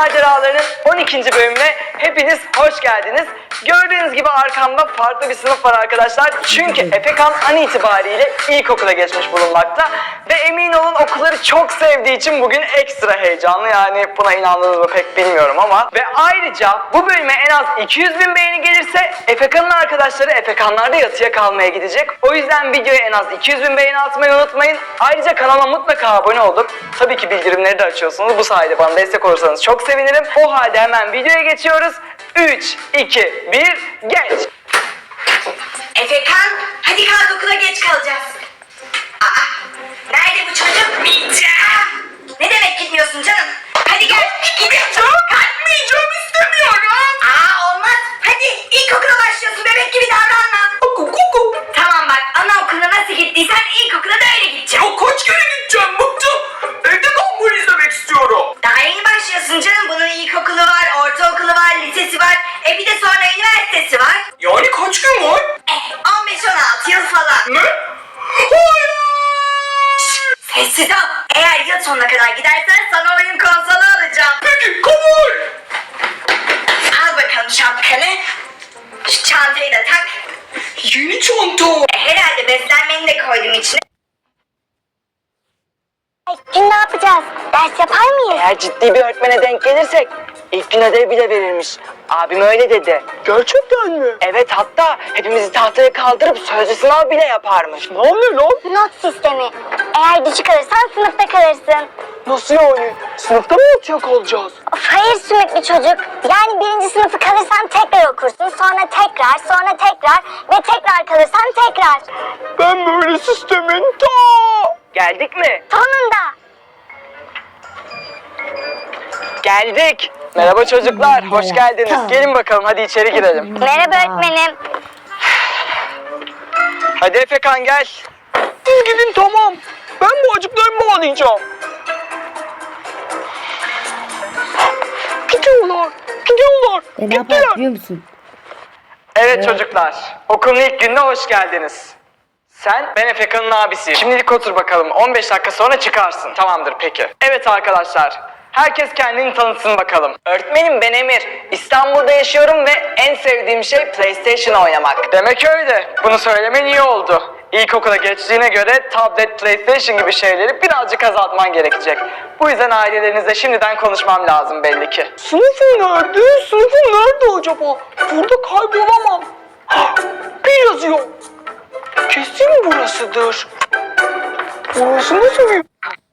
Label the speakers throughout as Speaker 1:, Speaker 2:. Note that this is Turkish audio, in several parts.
Speaker 1: Maceralarının 12. bölümüne hepiniz hoş geldiniz. Gördüğünüz gibi arkamda farklı bir sınıf var arkadaşlar. Çünkü Efekan an itibariyle ilkokula geçmiş bulunmakta. Ve emin olun okulları çok sevdiği için bugün ekstra heyecanlı. Yani buna inandınız mı pek bilmiyorum ama. Ve ayrıca bu bölüme en az 200.000 beğeni gelirse Efekan'ın arkadaşları Efekanlar'da yatıya kalmaya gidecek. O yüzden videoya en az 200.000 beğeni atmayı unutmayın. Ayrıca kanalıma mutlaka abone olup tabii ki bildirimleri de açıyorsunuz. Bu sayede bana destek olursanız çok sevinirim. O halde hemen videoya geçiyoruz. 3, 2, 1, geç!
Speaker 2: Efekan, hadi kalk okula geç kalacağız. Aa, nerede bu çocuk? Gideceğim. Ne demek gitmiyorsun canım? Hadi gel. Gideceğim. Kalkmayacağım, istemiyorum. Olmaz. Hadi ilkokula başlıyorsun, bebek gibi davranma. Tamam bak, anaokuluna nasıl gittiysen ilkokula da öyle gideceksin.
Speaker 3: Ya kaç kere gideceğim, bıktım. Evde Gumball izlemek istiyorum.
Speaker 2: Daha yeni başlıyorsun canım. Bunun ilkokulu var, ortaokulu var, lisesi var. Bir de sonra üniversitesi var.
Speaker 3: Yani kaç gün var?
Speaker 2: 15-16 yıl falan.
Speaker 3: Ne? Hayır.
Speaker 2: Sessiz ol. Eğer yıl sonuna kadar gidersen sana oyun konsolu alacağım.
Speaker 3: Peki kabul.
Speaker 2: Al bakalım şapkanı. Şu çantayı da tak.
Speaker 3: Yeni çanta.
Speaker 2: Herhalde beslenmeni de koydum içine.
Speaker 4: Gün ne yapacağız? Ders yapar mıyız?
Speaker 1: Eğer ciddi bir öğretmene denk gelirsek ilk gün ödev bile verilmiş. Abim öyle dedi.
Speaker 3: Gerçekten mi?
Speaker 1: Evet, hatta hepimizi tahtaya kaldırıp sözlü sınav bile yaparmış.
Speaker 3: Ne oluyor lan?
Speaker 4: Not sistemi. Eğer düşük alırsan sınıfta kalırsın.
Speaker 3: Nasıl yani? Sınıfta mı yatacak olacağız?
Speaker 4: Of, hayır sümüklü çocuk. Yani birinci sınıfı kalırsan tekrar okursun. Sonra tekrar, sonra tekrar ve tekrar kalırsan tekrar.
Speaker 3: Ben böyle sistemin
Speaker 1: Geldik mi?
Speaker 4: Sonunda.
Speaker 1: Geldik. Merhaba çocuklar, hoş geldiniz. Gelin bakalım, hadi içeri girelim.
Speaker 4: Merhaba öğretmenim.
Speaker 1: Hadi Efekan gel.
Speaker 3: Siz gidin tamam. Ben bu acıklarımı bağlayacağım. Gidiyorlar. Gidiyorlar.
Speaker 5: Ne yapar biliyor musun?
Speaker 1: Evet çocuklar, okulun ilk gününe hoş geldiniz. Sen, ben Efekan'ın abisiyim. Şimdilik otur bakalım, 15 dakika sonra çıkarsın. Tamamdır peki. Evet arkadaşlar, herkes kendini tanıtsın bakalım. Öğretmenim, ben Emir. İstanbul'da yaşıyorum ve en sevdiğim şey PlayStation oynamak. Demek öyle. Bunu söylemen iyi oldu. İlkokula geçtiğine göre tablet, PlayStation gibi şeyleri birazcık azaltman gerekecek. Bu yüzden ailelerinizle şimdiden konuşmam lazım belli ki.
Speaker 3: Sınıfım nerede? Sınıfım nerede acaba? Burada kaybolamam. Bir yazıyor. Kesin burasıdır. Burası nasıl bir...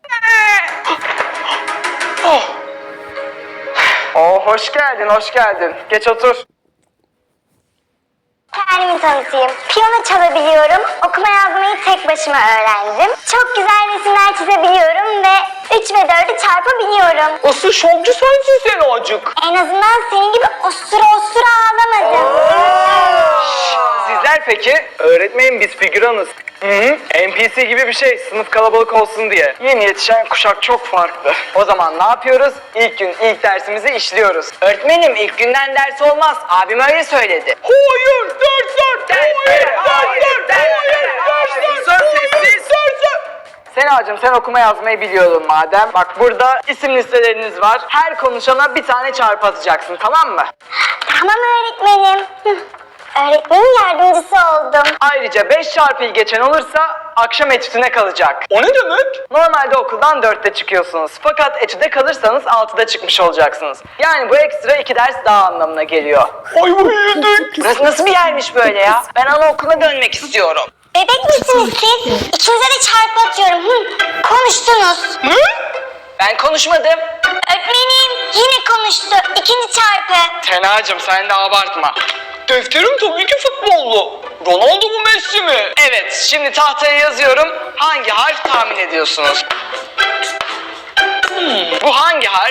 Speaker 1: Hoş geldin, hoş geldin. Geç otur.
Speaker 4: Kendimi tanıtayım. Piyano çalabiliyorum. Okuma yazmayı tek başıma öğrendim. Çok güzel resimler çizebiliyorum ve 3 ve 4'ü çarpabiliyorum.
Speaker 3: Asıl şovcu sensin sen acık.
Speaker 4: En azından senin gibi osura osura ağlamadım.
Speaker 1: Sizler peki? Öğretmenim, biz figüranız. NPC gibi bir şey, sınıf kalabalık olsun diye. Yeni yetişen kuşak çok farklı. O zaman ne yapıyoruz? İlk gün ilk dersimizi işliyoruz. Öğretmenim, ilk günden ders olmaz. Abim öyle söyledi.
Speaker 3: Hayır, dersler.
Speaker 1: Senacığım, sen okuma yazmayı biliyordun madem. Bak burada isim listeleriniz var. Her konuşana bir tane çarpı atacaksın, tamam mı?
Speaker 4: Tamam öğretmenim. Öğretmenin yardımcısı oldum.
Speaker 1: Ayrıca 5 çarpıyı geçen olursa akşam etütüne kalacak.
Speaker 3: O ne demek?
Speaker 1: Normalde okuldan 4'te çıkıyorsunuz. Fakat etüde kalırsanız 6'da çıkmış olacaksınız. Yani bu ekstra 2 ders daha anlamına geliyor.
Speaker 3: Ayvayı yedik.
Speaker 1: Burası nasıl bir yermiş böyle ya? Ben anaokuluna dönmek istiyorum.
Speaker 4: Bebek misiniz siz? İkinize de çarpı atıyorum. Konuştunuz.
Speaker 3: Ne?
Speaker 1: Ben konuşmadım.
Speaker 4: Öğretmenim yine konuştu. İkinci çarpı.
Speaker 1: Tenacığım, sen de abartma.
Speaker 3: Defterim tabii ki futbollu. Ronaldo mu Messi mi?
Speaker 1: Evet, şimdi tahtaya yazıyorum. Hangi harf tahmin ediyorsunuz? Bu hangi harf?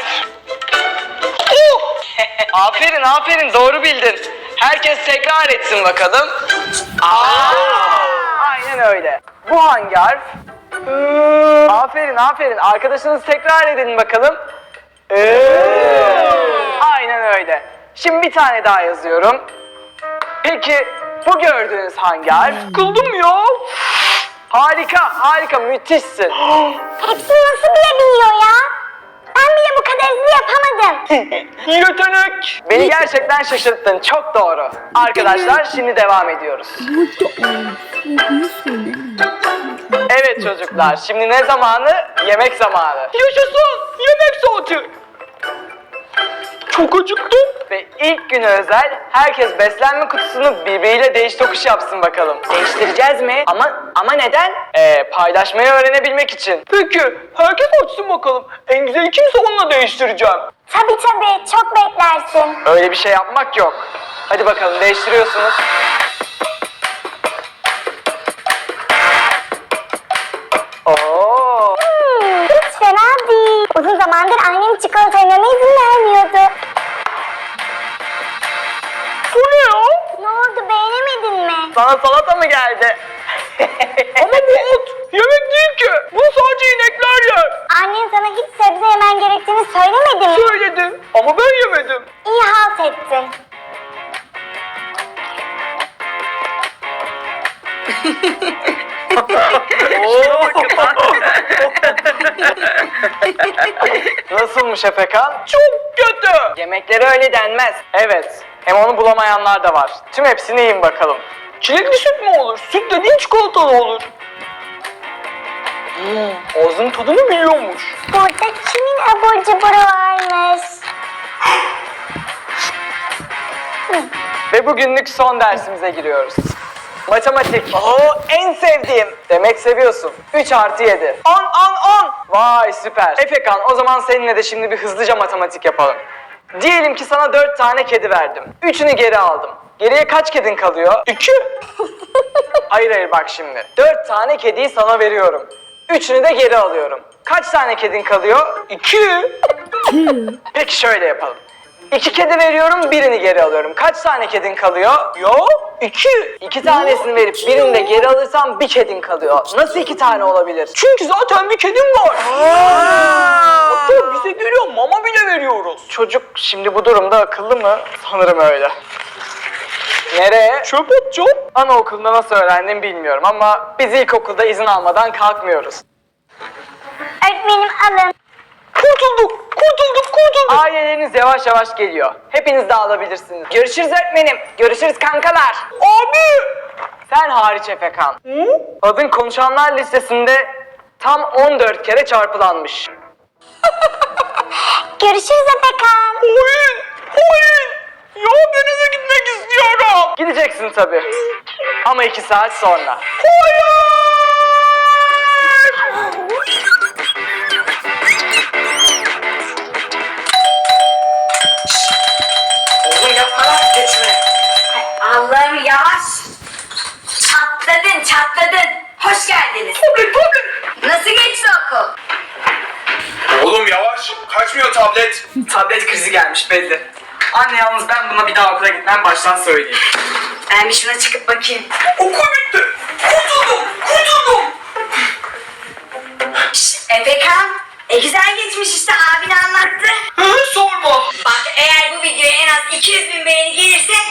Speaker 1: Aferin, aferin, doğru bildin. Herkes tekrar etsin bakalım. Aynen öyle. Bu hangi harf? Aferin, aferin. Arkadaşınız tekrar edin bakalım. Aynen öyle. Şimdi bir tane daha yazıyorum. Peki bu gördüğünüz hangi harf?
Speaker 3: Sıkıldım ya.
Speaker 1: Harika, harika, müthişsin.
Speaker 4: Hepsini nasıl bilebiliyor ya? Ben bile bu kadar ödevini yapamadım.
Speaker 3: Yetenek.
Speaker 1: Beni gerçekten şaşırttın. Çok doğru. Arkadaşlar şimdi devam ediyoruz. Evet çocuklar, şimdi ne zamanı? Yemek zamanı.
Speaker 3: Yaşasın. Yemek saati. Çok acıktım.
Speaker 1: Ve ilk güne özel herkes beslenme kutusunu birbiriyle değiş tokuş yapsın bakalım. Değiştireceğiz mi? Ama neden? Paylaşmayı öğrenebilmek için.
Speaker 3: Peki herkes açsın bakalım. En güzel kimse onunla değiştireceğim.
Speaker 4: Tabii çok beklersin.
Speaker 1: Öyle bir şey yapmak yok. Hadi bakalım değiştiriyorsunuz. Oo.
Speaker 4: Hiç fena değil. Uzun zamandır annem çikolata yememe izin vermiyordu.
Speaker 3: Bu ne ya?
Speaker 4: Ne oldu, beğenemedin mi?
Speaker 1: Sana salata mı geldi?
Speaker 3: Ama bu ot. Yemek değil ki. Bunu sadece inekler yer.
Speaker 4: Annen sana hiç sebze yemen gerektiğini söylemedi mi?
Speaker 3: Söyledim ama ben yemedim.
Speaker 4: İyi halt ettin.
Speaker 1: Nasılmış Efekan?
Speaker 3: Çok kötü.
Speaker 1: Yemeklere öyle denmez. Evet. Hem onu bulamayanlar da var. Tüm hepsini yiyin bakalım.
Speaker 3: Çilekli süt mü olur? Süt dediğin çikolatalı olur. Ağzının tadını biliyormuş.
Speaker 4: Burada kimin abur cuburu varmış?
Speaker 1: Ve bugünlük son dersimize giriyoruz. Matematik. Oo, en sevdiğim. Demek seviyorsun. 3 artı 7. 10. Vay süper. Efekan, o zaman seninle de şimdi bir hızlıca matematik yapalım. Diyelim ki sana 4 tane kedi verdim. 3'ünü geri aldım. Geriye kaç kedin kalıyor? 2. Hayır bak şimdi. 4 tane kediyi sana veriyorum. 3'ünü de geri alıyorum. Kaç tane kedin kalıyor?
Speaker 3: 2.
Speaker 1: Peki şöyle yapalım. 2 kedi veriyorum, birini geri alıyorum. Kaç tane kedin kalıyor?
Speaker 3: Ya 2.
Speaker 1: 2 tanesini verip birini de geri alırsam bir kedin kalıyor. Nasıl 2 tane olabilir?
Speaker 3: Çünkü zaten bir kedim var. Hatta bize geliyor mama bile veriyoruz.
Speaker 1: Çocuk şimdi bu durumda akıllı mı? Sanırım öyle. Nereye?
Speaker 3: Çöp atacağım.
Speaker 1: Anaokulunda nasıl öğrendim bilmiyorum ama biz ilkokulda izin almadan kalkmıyoruz.
Speaker 4: Öğretmenim alın.
Speaker 3: Kurtulduk.
Speaker 1: Aileleriniz yavaş yavaş geliyor. Hepiniz de alabilirsiniz. Görüşürüz öğretmenim. Görüşürüz kankalar.
Speaker 3: Abi.
Speaker 1: Sen hariç Efekan. Adın konuşanlar listesinde tam 14 kere çarpılanmış.
Speaker 4: Görüşürüz Efekan.
Speaker 3: Hayır. Ya denize gitmek istiyorum.
Speaker 1: Gideceksin tabii. Ama 2 saat sonra.
Speaker 2: Oğlum yapma lan, geçme. Allah'ım yavaş. Çatladın. Hoş geldiniz. Nasıl geçti okul?
Speaker 5: Oğlum yavaş. Kaçmıyor tablet.
Speaker 1: Tablet krizi gelmiş belli. Anne yalnız ben buna bir daha okula gitmem baştan söyleyeyim.
Speaker 2: Ben bir şuna çıkıp bakayım.
Speaker 3: Okul bitti. Kurtuldum.
Speaker 2: Efekan, güzel geçmiş işte, abin anlattı.
Speaker 3: Sorma.
Speaker 2: Bak eğer bu videoya en az 200.000 beğeni gelirse